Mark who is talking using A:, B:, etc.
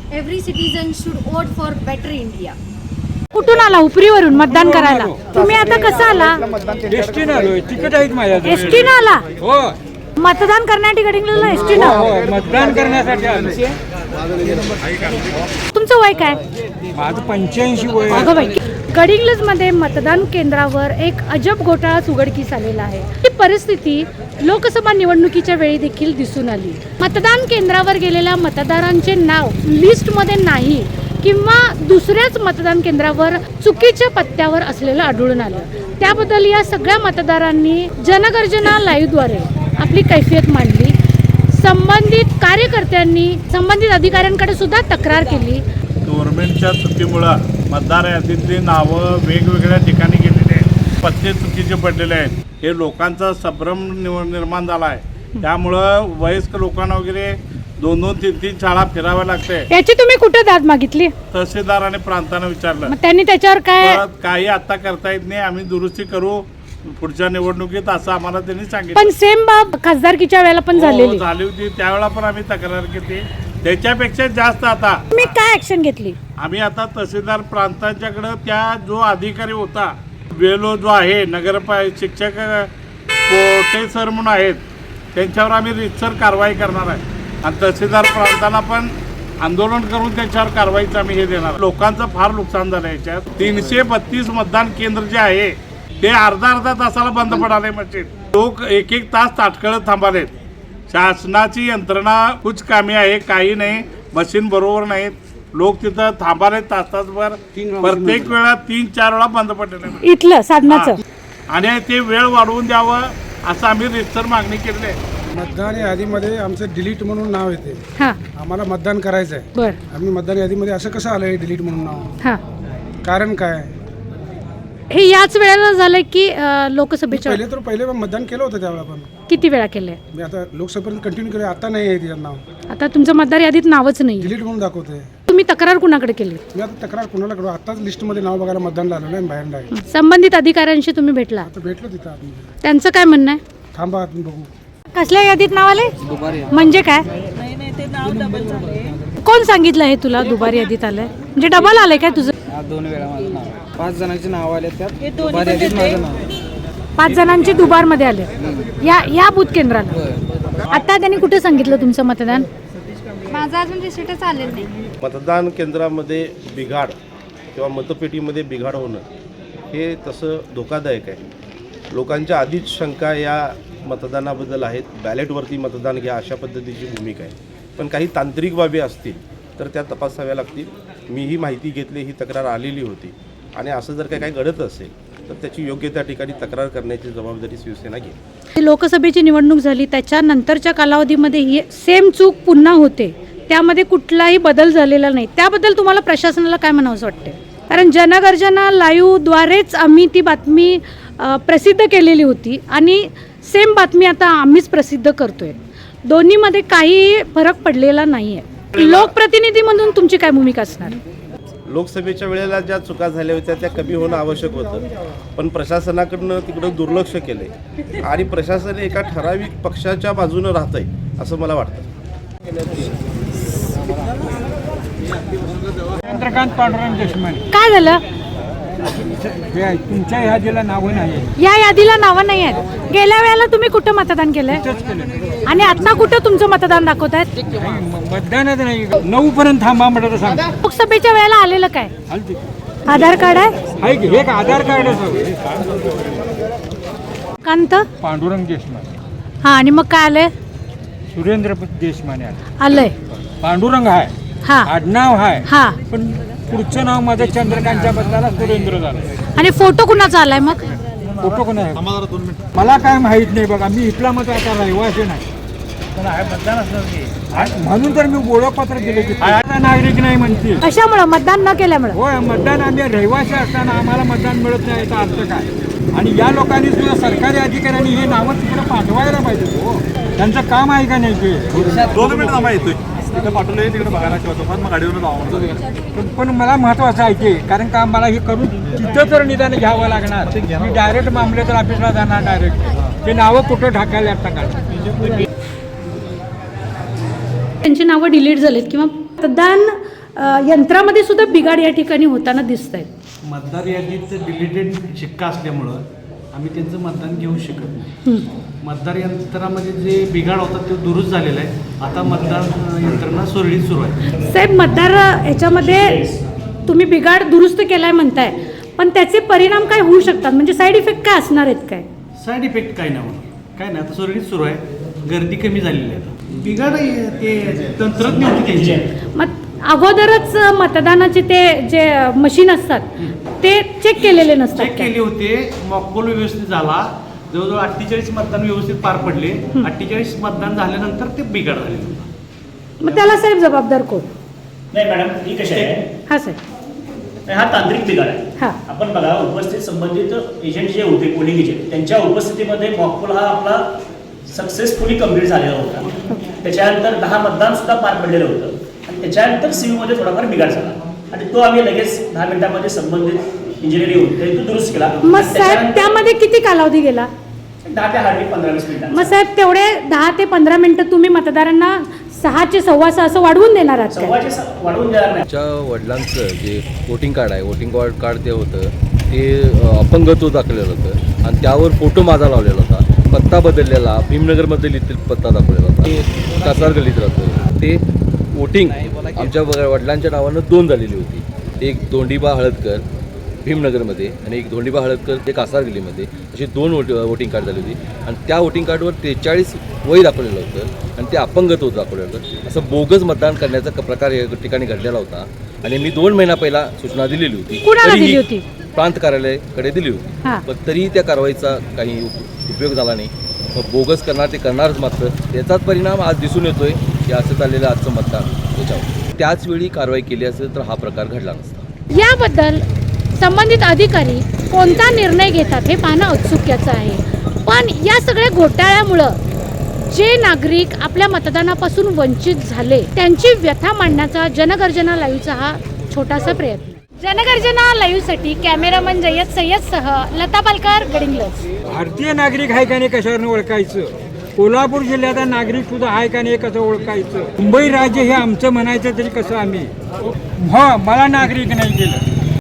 A: every citizen should vote for better India.
B: कुठून आला उपरीवरून मतदान करायला? तुम्ही आता कसं आला?
C: एसटीने आलोय, तिकीट आहेत माझ्याकडे.
B: एसटीने आला?
C: हो,
B: मतदान करण्यासाठी गडिंग्लजला एसटीने?
C: हो, मतदान करण्यासाठी आलोय.
B: तुमचं वय काय?
C: माझं 85 वय.
B: अगं बाई, गडिंग्लज मध्ये मतदान केंद्रावर एक अजब घोटाळा उघडकीस आलेला आहे. ही परिस्थिती लोकसभा निवडणुकीच्या वेळी देखील दिसून आली. मतदान केंद्रावर गेलेल्या मतदारांचे नाव लिस्टमध्ये नाही किंवा दुसऱ्याच मतदान केंद्रावर चुकीच्या पत्त्यावर असलेलं आढळून आलं. त्याबद्दल या सगळ्या मतदारांनी जनगर्जना लाईव्हद्वारे आपली कैफियत मांडली. संबंधित कार्यकर्त्यांनी संबंधित अधिकाऱ्यांकडे सुद्धा तक्रार केली.
D: गव्हर्नमेंटच्या चुकीमुळं मतदार यादीतली नावं वेगवेगळ्या ठिकाणी गेलेली आहेत, पत्ते चुकीचे पडलेले आहेत. हे लोकांचा संभ्रम निर्माण झाला आहे. त्यामुळं वयस्क लोकांना वगैरे 2-2, 3-3 शाळा फिराव्या लागते.
B: याची तुम्ही कुठे दाद मागितली?
D: तहसीलदार आणि प्रांतानं विचारलं.
B: मग त्यांनी त्याच्यावर काय?
D: काही आता करता येत नाही, आम्ही दुरुस्ती करू पुढच्या निवडणुकीत, असं आम्हाला त्यांनी सांगितलं.
B: पण सेम बाब खासदारकीच्या वेळेला पण झाली
D: होती. त्यावेळेला पण आम्ही तक्रार केली. त्याच्यापेक्षा जास्त आता
B: तुम्ही काय ऍक्शन घेतली?
D: आम्ही आता तहसीलदार प्रांतांच्याकडं त्या जो अधिकारी होता वेलो जो आहे शिक्षक कोटे सर म्हणून आहेत, त्यांच्यावर आम्ही रितसर कारवाई करणार आहे. आणि तहसीलदार प्रांताला पण आंदोलन करून त्याच्यावर कारवाईचं आम्ही हे देणार. लोकांचं फार नुकसान झालं याच्यात. 332 मतदान केंद्र जे आहे ते अर्धा तासाला बंद पडाले. मशीन लोक 1-1 तास ताटकळत थांबालेत. शासनाची यंत्रणा कुछ कामी आहे, काही नाही. मशीन बरोबर नाहीत. लोक तिथं थांबाले तासभर. प्रत्येक वेळा 3-4 वेळा बंद पडलेले
B: इथलं साधनाचं.
D: आणि ते वेळ वाढवून द्यावं असं आम्ही रितसर मागणी केलेली आहे.
E: मतदान यादीमध्ये आमचं डिलीट म्हणून नाव येते.
B: हा,
E: आम्हाला मतदान करायचं आहे.
B: बर.
E: आम्ही मतदान यादीमध्ये असं कसं आलंय डिलीट म्हणून नाव?
B: हा,
E: कारण काय?
B: हे याच वेळेला झालंय की लोकसभेच्या?
E: पहिले मतदान केलं होतं त्यावेळेला. पण
B: किती वेळा केलंय?
E: मी आता लोकसभेपर्यंत कंटिन्यू केलं. आता नाही आहे तिचं नाव.
B: आता तुमचं मतदार यादीत नावच नाही.
E: डिलीट म्हणून दाखवते.
B: तुम्ही तक्रार कुणाकडे केली?
E: मी आता तक्रार कुणाला करू? आताच लिस्टमध्ये नाव बघायला मतदान आलं नाही, बाहेर नाही.
B: संबंधित अधिकाऱ्यांशी तुम्ही भेटला?
E: आता भेटलो तिथं आतमध्ये.
B: त्यांचं काय म्हणणं आहे?
E: थांबा तुम्ही बघू.
B: कसल्या यादीत नाव आले? म्हणजे काय? कोण सांगितलं हे तुला दुबारी यादीत आलंय? म्हणजे डबल आलंय काय तुझं?
C: 2 वेळा माझं नाव. 5 जणांची नाव आले त्यात. दुबारी यादीत माझं नाव.
B: 5 जणांची दुबार मध्ये आले या बूथ केंद्राला. आता त्यांनी कुठे सांगितलं तुमचं मतदान?
A: माझं अजून रिसिटच आलेलं नाही.
F: मतदान केंद्रामध्ये बिघाड किंवा मतपेटीमध्ये बिघाड होणं हे तसं धोकादायक आहे. लोकांच्या आधीच शंका या मतदानाबद्दल आहेत. बॅलेटवरती मतदान घ्या अशा पद्धतीची भूमिका आहे. पण काही तांत्रिक बाबी असतील तर त्या तपासाव्या लागतील. मी ही माहिती घेतली, ही तक्रार आलेली होती. आणि असं जर काही घडत असेल तर त्याची योग्य त्या ठिकाणी तक्रार करण्याची जबाबदारी शिवसेना घेईल.
B: लोकसभेची निवडणूक झाली त्याच्यानंतरच्या कालावधीमध्ये ही सेम चूक पुन्हा होते, त्यामध्ये कुठलाही बदल झालेला नाही. त्याबद्दल तुम्हाला प्रशासनाला काय म्हणावंसं वाटते? कारण जनगर्जना लाईव्हद्वारेच आम्ही ती बातमी प्रसिद्ध केलेली होती आणि सेम बातमी आता आम्हीच प्रसिद्ध करतोय. दोन्हीमध्ये काही फरक पडलेला नाही आहे. लोकप्रतिनिधी म्हणून तुमची काय भूमिका असणार?
F: लोकसभेच्या वेळेला ज्या चुका झाल्या होत्या त्या कमी होणं आवश्यक होतं. पण प्रशासनाकडनं तिकडं दुर्लक्ष केलं आहे आणि प्रशासन एका ठराविक पक्षाच्या बाजूनं राहत आहे असं मला वाटतं.
C: चंद्रकांत पांडुरंग देशमाने.
B: काय झालं?
C: तुमच्या यादीला नावं नाही.
B: या यादीला नावं नाही आहेत. गेल्या वेळेला तुम्ही कुठं मतदान केलंय आणि आता कुठं तुमचं मतदान दाखवतायत?
C: मतदानच नाही. 9 पर्यंत थांबा म्हटलं तर सांग.
B: लोकसभेच्या वेळेला आलेलं काय? आधार कार्ड आहे?
C: एक आधार कार्ड आहे.
B: कांत
C: पांडुरंग देशमाने.
B: हा, आणि मग काय आलंय?
C: सुरेंद्र देशमाने
B: आलंय.
C: पांडुरंग आहे,
B: हा
C: आडनाव आहे.
B: हा,
C: पण पुढचं नाव माझं चंद्रकांतच्या बदलाला सुरेंद्र झालं.
B: आणि फोटो कुणाचा आलाय मग?
C: फोटो कोण आहे? मला काय माहित नाही बघा. मी इथला मत आता रहिवासी नाही म्हणून तर मी ओळखपत्र दिले की नागरिक नाही म्हणते.
B: कशामुळे? मतदान न केल्यामुळे?
C: होय, मतदान आम्ही रहिवासी असताना आम्हाला मतदान मिळत नाही याचा अर्थ काय? आणि या लोकांनी सुद्धा सरकारी अधिकाऱ्यांनी हे नावं तिकडे पाठवायला पाहिजे. हो, त्यांचं काम आहे का नाही ते?
D: 2 मिनिट थांबा, येतोय तिकडे पाठवलं तिकडे बघायला ठेवतो. मग गाडीवर जावं.
C: पण मला महत्वाचं आहे ते, कारण का मला हे करून तिथं तर निदान घ्यावं लागणार. मी डायरेक्ट मामलेदार ऑफिसला जाणार डायरेक्ट. ते नावं कुठं ढाकायला टाकायला.
B: त्यांची नावं डिलीट झालीत किंवा मतदान यंत्रामध्ये सुद्धा बिघाड या ठिकाणी होताना दिसत आहेत.
G: मतदार यादीत डिलिटेड शिक्का असल्यामुळं आम्ही त्यांचं मतदान घेऊ शकत नाही. मतदार यंत्रामध्ये जे बिघाड होता तो दुरुस्त झालेला आहे. आता मतदान यंत्रणा सुरळीत सुरू आहे.
B: साहेब, मतदार याच्यामध्ये तुम्ही बिघाड दुरुस्त केलाय म्हणताय, पण त्याचे परिणाम काय होऊ शकतात? म्हणजे साईड इफेक्ट काय असणार आहेत काय?
G: साईड इफेक्ट काय नाही होणार, काय नाही. आता सुरळीत सुरू आहे. गर्दी कमी झालेली आहे. बिघाड ते तंत्रज्ञ होते त्यांचे.
B: मग अगोदरच मतदानाचे ते जे मशीन असतात ते चेक केलेले नसतात
G: चेक
B: काय?
G: केले होते. मॉकपोल व्यवस्थित झाला. जवळजवळ 48 मतदान व्यवस्थित पार पडले. 48 मतदान झाल्यानंतर ते बिघाड झाले.
B: मग त्याला साहेब जबाबदार कोण?
H: नाही मॅडम, ही कशी आहे,
B: हा साहेब.
H: हा तांत्रिक बिघाड आहे.
B: हा.
H: आपण बघा, उपस्थित संबंधित एजंट जे होते, पोलिंग एजंट, त्यांच्या उपस्थितीमध्ये मॉकपोल हा आपला सक्सेसफुली कंप्लीट झालेला होता. त्याच्यानंतर 10 मतदान सुद्धा पार पडलेलं होतं आणि त्याच्यानंतर सीयूमध्ये थोडाफार बिघाड झाला आणि तो आम्ही लगेच 10 मिनिटांमध्ये संबंधित इंजिनिअरिंग होते तो दुरुस्त केला.
B: मग साहेब त्यामध्ये किती कालावधी गेला?
H: 10 ते हार्डली 15-20 मिनिटांचा.
B: मग साहेब तेवढे 10 ते 15 मिनिटं तुम्ही मतदारांना 6 चे 6:15 असं वाढवून देणार आहात काय?
H: वाढवून देणार नाही.
I: आमच्या वडिलांचं जे वोटिंग कार्ड आहे, वोटिंग कार्ड ते होतं ते अपंगत्व दाखवलेलं होतं आणि त्यावर फोटो माझा लावलेला होता. पत्ता बदललेला भीमनगरमध्ये लिहिलेला पत्ता दाखवलेला होता. ते कासार गल्लीत राहतं. ते वोटिंग आमच्या वडिलांच्या नावानं 2 झालेली होती. एक धोंडीबा हळदकर भीमनगरमध्ये आणि एक धोंडीबा हळदकर ते कासार गल्लीमध्ये, अशी 2 वोटिंग कार्ड झाली होती. आणि त्या वोटिंग कार्डवर 43 वय दाखवलेलं होतं आणि ते अपंगत्व दाखवलेलं होतं. असं बोगस मतदान करण्याचा प्रकार या ठिकाणी घडलेला होता आणि मी 2 महिना पहिला सूचना दिलेली होती.
B: कुणाला
I: तरीही
B: दिली होती?
I: प्रांत कार्यालयाकडे दिली होती.
B: हा.
I: पण तरीही त्या कारवाईचा काही उपयोग झाला नाही. मग बोगस करणार ते करणारच मात्र त्याचाच परिणाम आज दिसून येतोय की असं चाललेलं आजचं मतदान त्याच्यावर. त्याच वेळी कारवाई केली असेल तर हा प्रकार घडला नसता.
B: याबद्दल संबंधित अधिकारी कोणता निर्णय घेतात हे पाहणं औत्सुक्याचं आहे. पण या सगळ्या घोटाळ्यामुळं जे नागरिक आपल्या मतदानापासून वंचित झाले त्यांची व्यथा मांडण्याचा जनगर्जना लाईव्हचा हा छोटासा प्रयत्न. जनगर्जना लाईव्हसाठी कॅमेरामन जय्यद सय्यदसह लता पालकर, गडिंग्लज.
C: भारतीय नागरिक आहे का नाही कशावरून ओळखायचं? कोल्हापूर जिल्ह्याचा नागरिक सुद्धा आहे का नाही कसं ओळखायचं? मुंबई राज्य हे आमचं म्हणायचं तरी कसं आम्ही? हो, मला नागरिक नाही केलं